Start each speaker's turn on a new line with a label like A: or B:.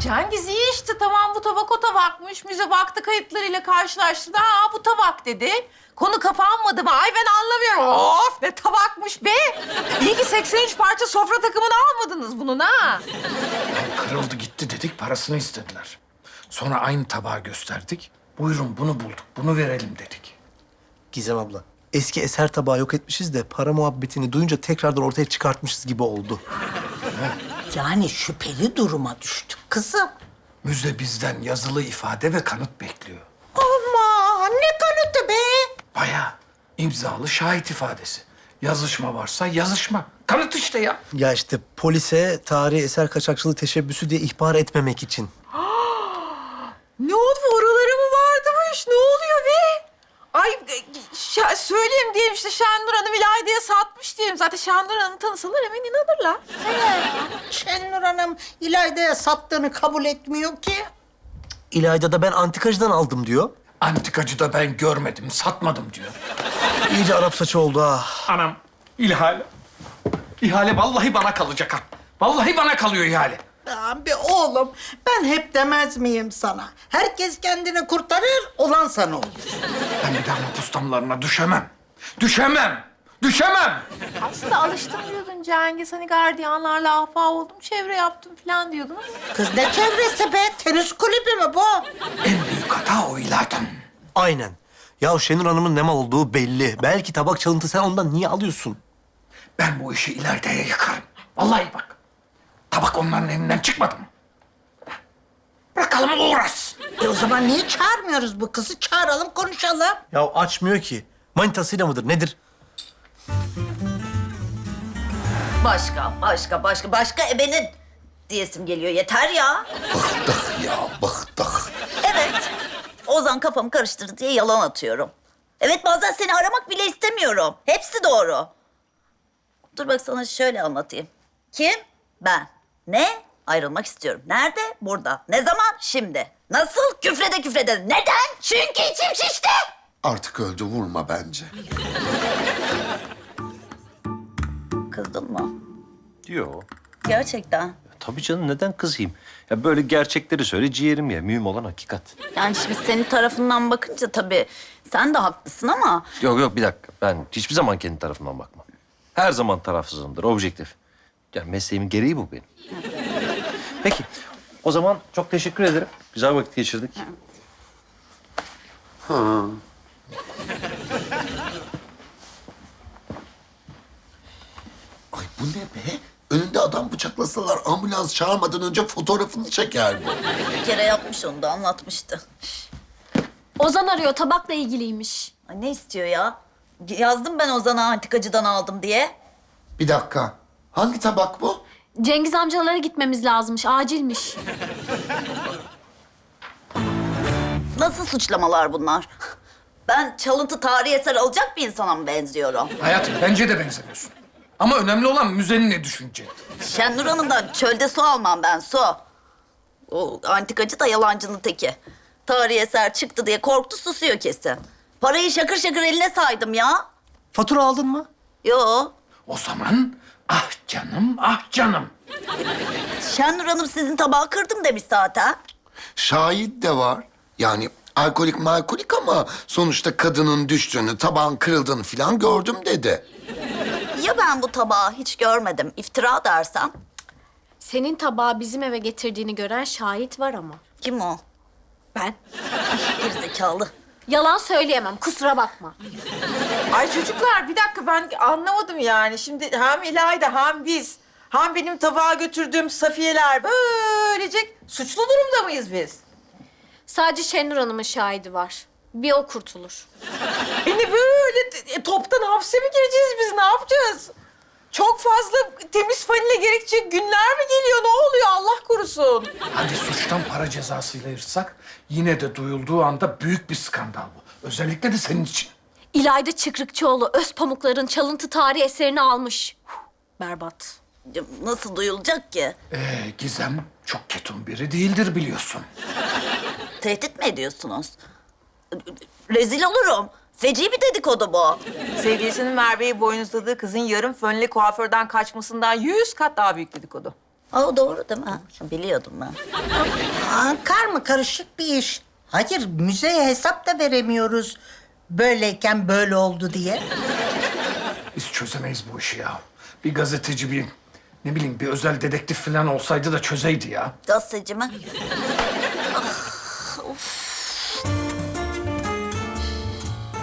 A: Cengiz iyi işte, tamam bu tabak o tabakmış. Müze baktı, kayıtlarıyla karşılaştırdı. Aa bu tabak dedi. Konu kapanmadı mı? Ay ben anlamıyorum. Of ne tabakmış be. İyi ki 83 parça sofra takımını almadınız bunun ha.
B: Kırıldı gitti dedik, parasını istediler. Sonra aynı tabağı gösterdik. Buyurun bunu bulduk, bunu verelim dedik.
C: Gizem abla, eski eser tabağı yok etmişiz de para muhabbetini duyunca tekrardan ortaya çıkartmışız gibi oldu.
D: Yani şüpheli duruma düştük kızım.
B: Müze bizden yazılı ifade ve kanıt bekliyor.
D: Aman ne kanıtı be?
B: Bayağı imzalı şahit ifadesi. Yazışma varsa yazışma. Kanıt işte ya.
C: Ya işte polise tarihi eser kaçakçılığı teşebbüsü diye ihbar etmemek için.
A: Ne oldu? Oraları mı vardı bu iş? Ne oluyor be? Ay söyleyeyim diyelim işte Şenur Hanım İlayda'ya satmış diyelim. Zaten Şenur Hanım'ı tanısalar hemen inanırlar.
D: Şenur Hanım İlayda'ya sattığını kabul etmiyor ki.
C: İlayda'da ben antikacıdan aldım diyor.
B: Antikacı da ben görmedim, satmadım diyor.
C: İyice Arap saçı oldu ha.
B: Anam, ihale. İhale vallahi bana kalacak ha. Vallahi bana kalıyor ihale.
D: Abi oğlum ben hep demez miyim sana? Herkes kendini kurtarır, olan sana olur.
B: Ben bir daha nüfus damlarına düşemem. Düşemem. Düşemem.
A: Aslında alıştım diyordun Cengiz. Hani gardiyanlarla ahbap oldum, çevre yaptım falan diyordun.
D: Kız ne çevresi be? Tenis kulübü mü bu?
B: En büyük hata o İlayda'nın.
C: Aynen. Ya Şenur Hanım'ın ne mal olduğu belli. Belki tabak çalıntı, sen ondan niye alıyorsun?
B: Ben bu işi İlayda'ya yıkarım. Vallahi bak. Tabak onların elinden çıkmadı mı? Bırakalım o uğraşsın.
D: O zaman niye çağırmıyoruz bu kızı? Çağıralım, konuşalım.
C: Ya açmıyor ki. Manitasıyla mıdır, nedir?
E: Başka ebenin diyesim geliyor. Yeter ya.
F: Bıktık ya, bıktık.
E: Evet. Ozan kafamı karıştırdı diye yalan atıyorum. Evet, bazen seni aramak bile istemiyorum. Hepsi doğru. Dur bak sana şöyle anlatayım. Kim? Ben. Ne? Ayrılmak istiyorum. Nerede? Burada. Ne zaman? Şimdi. Nasıl? Küfrede. Neden? Çünkü içim şişti.
F: Artık öldü, vurma bence.
E: Kızdın mı?
G: Yo.
E: Gerçekten.
G: Tabii canım, neden kızayım? Ya böyle gerçekleri söyle, ciğerim ya. Mühim olan hakikat.
E: Yani şimdi senin tarafından bakınca tabii sen de haklısın ama...
G: Yok bir dakika. Ben hiçbir zaman kendi tarafımdan bakmam. Her zaman tarafsızımdır, objektif. Yani mesleğimin gereği bu benim. Peki, o zaman çok teşekkür ederim. Güzel vakit geçirdik.
F: Ay bu ne be? Önünde adam bıçaklasalar ambulans çağırmadan önce fotoğrafını çeker bu.
E: Bir kere yapmış onu da anlatmıştı.
H: Ozan arıyor, tabakla ilgiliymiş.
E: Ay ne istiyor ya? Yazdım ben Ozan'a antikacıdan aldım diye.
F: Bir dakika. Hangi tabak bu?
H: Cengiz amcalara gitmemiz lazımmış, acilmiş.
E: Nasıl suçlamalar bunlar? Ben çalıntı tarihi eser alacak bir insana mı benziyorum?
B: Hayatım bence de benzemiyorsun. Ama önemli olan müzenin ne düşüneceği.
E: Şenur Hanım'dan çölde su almam ben, su. O antikacı da yalancının teki. Tarihi eser çıktı diye korktu, susuyor kesin. Parayı şakır şakır eline saydım ya.
C: Fatura aldın mı?
E: Yo.
B: O zaman ah canım, ah canım.
E: Şenur Hanım sizin tabağı kırdım demiş zaten.
F: Şahit de var. Yani alkolik malkolik ama sonuçta kadının düştüğünü, tabağın kırıldığını falan gördüm dedi.
E: Ya ben bu tabağı hiç görmedim, iftira dersem?
H: Senin tabağı bizim eve getirdiğini gören şahit var ama.
E: Kim o?
H: Ben.
E: Gerizekalı.
H: Yalan söyleyemem, kusura bakma.
A: Ay çocuklar bir dakika ben anlamadım yani. Şimdi hem İlayda hem biz hem benim tabağa götürdüğüm Safiyeler böylece suçlu durumda mıyız biz?
H: Sadece Şenur Hanım'ın şahidi var. Bir o kurtulur.
A: Beni böyle toptan hapse mi gireceğiz biz? Ne yapacağız? Çok fazla temiz fanile gerekecek günler mi geliyor? Ne oluyor Allah korusun?
B: Hadi suçtan para cezasıyla yırtsak yine de duyulduğu anda büyük bir skandal bu. Özellikle de senin için.
H: İlayda Çıkrıkçıoğlu Özpamuklar'ın çalıntı tarihi eserini almış. Berbat.
E: Ya nasıl duyulacak ki?
B: Gizem çok ketum biri değildir biliyorsun.
E: Tehdit mi ediyorsunuz? Rezil olurum. Feci bir dedikodu bu.
A: Sevgilisinin Merve'yi boynuzladığı kızın yarım fönlü kuaförden kaçmasından 100 kat daha büyük dedikodu.
E: Aa, doğru değil mi? Biliyordum ben.
D: Karma karışık bir iş. Hayır, müzeye hesap da veremiyoruz. Böyleyken böyle oldu diye.
B: Biz çözemeyiz bu işi ya. Bir gazeteci, bir ne bileyim bir özel dedektif falan olsaydı da çözeydi ya.
E: Gazeteci mi?